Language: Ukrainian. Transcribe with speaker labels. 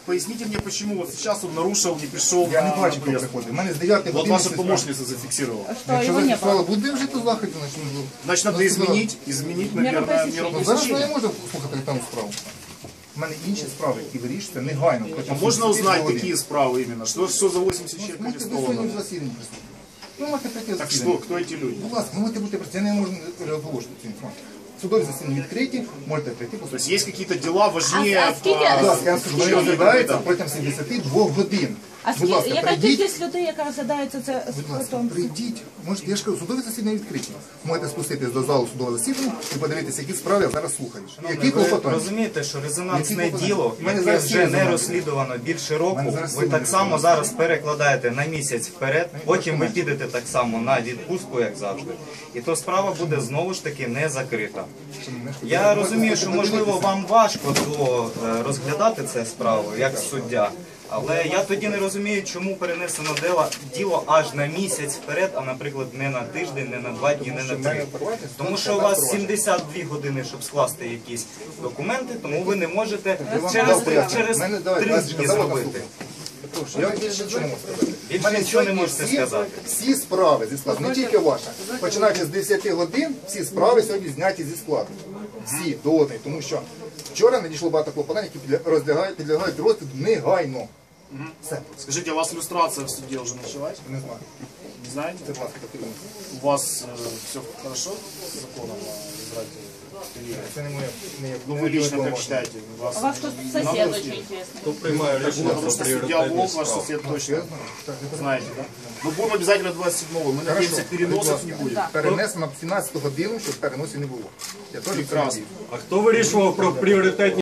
Speaker 1: поясните мне, почему вот сейчас он нарушил, не пришел
Speaker 2: Я не
Speaker 1: на
Speaker 2: бачу, хто
Speaker 1: поездку.
Speaker 2: приходить. У мене з 9
Speaker 1: Вот
Speaker 2: години...
Speaker 1: ваша помощница зафиксировала.
Speaker 3: Что,
Speaker 2: Якщо
Speaker 3: его не было?
Speaker 2: зафіксували, буде вжити заходів, значить...
Speaker 1: Значит, надо изменить, наверное, меру
Speaker 2: Ну, зараз я не
Speaker 1: пресечения.
Speaker 2: можу слухати там справу. У мене інші справи, які вирішуються негайно.
Speaker 1: А можно узнать, какие справы именно? Что за 80 человек
Speaker 2: Можете ви сьогодні
Speaker 1: арестовано?
Speaker 2: в засіданні присутні. Ви можете прийти в
Speaker 1: Так
Speaker 2: засідання.
Speaker 1: что, кто эти люди?
Speaker 2: Будь ласка, ви можете бути присутні. Я не можу розголошувати цю інформацію. Судові засідання відкриті, можете прийти.
Speaker 1: То есть есть какие-то дела важнее...
Speaker 3: скільки-
Speaker 2: Будь ласка, я вам скажу, вони розглядаються протягом 72 годин.
Speaker 3: А
Speaker 2: Будь ласка,
Speaker 3: яка
Speaker 2: прийдіть.
Speaker 3: кількість людей, яка розглядається це
Speaker 2: Будь ласка,
Speaker 3: потім?
Speaker 2: прийдіть. Можете, я ж кажу, судові засідання відкриті. Можете спуститись до залу судового засідання і подивитися, які справи я зараз слухаю. Які
Speaker 4: Ви
Speaker 2: клопотання?
Speaker 4: розумієте, що резонансне
Speaker 2: Які клопотання?
Speaker 4: діло,
Speaker 2: У мене
Speaker 4: яке
Speaker 2: зараз
Speaker 4: вже
Speaker 2: всі
Speaker 4: не
Speaker 2: резонансні.
Speaker 4: розслідувано більше
Speaker 2: У
Speaker 4: року,
Speaker 2: мене зараз
Speaker 4: ви
Speaker 2: всі
Speaker 4: так само
Speaker 2: резонансні.
Speaker 4: зараз перекладаєте на місяць вперед, потім ви підете так само на відпустку, як завжди. І то справа буде знову ж таки не закрита. Я розумію, що можливо вам важко розглядати це справу як суддя, але я тоді не розумію, чому перенесено діло аж на місяць вперед, а, наприклад, не на тиждень, не на 2 дні, не на 3. Тому що у вас 72 години, щоб скласти якісь документи, тому ви не можете через 3 дні зробити.
Speaker 2: Я вам більше нічого не можу сказати.
Speaker 4: Більше
Speaker 2: У мене
Speaker 4: нічого не
Speaker 2: сьогодні
Speaker 4: можете сказати.
Speaker 2: Всі справи зі складу, не тільки ваша. Починаючи з 10 годин, всі справи сьогодні зняті зі складу. Всі до одної. Тому що вчора надійшло багато клопотань, які підлягають розгляду негайно. Все.
Speaker 1: Скажите, а у вас иллюстрация в суде уже началась?
Speaker 2: Не знаю.
Speaker 1: Не знаете?
Speaker 2: Це, будь ласка, потрібно.
Speaker 1: У вас все хорошо с законом о Израиле?
Speaker 2: Це не моє...
Speaker 1: Ну вы лично как считаете?
Speaker 3: У вас тут сосед очень интересный.
Speaker 1: Потому что судья Волк, ваш сосед точно знаете, да? Мы будем обязательно 27-го. Мы надеемся, переносов не будет.
Speaker 2: Перенесено на 17 годину, щоб переносів не було. Я теж
Speaker 1: Прекрасно.
Speaker 5: А хто вирішував про пріоритетні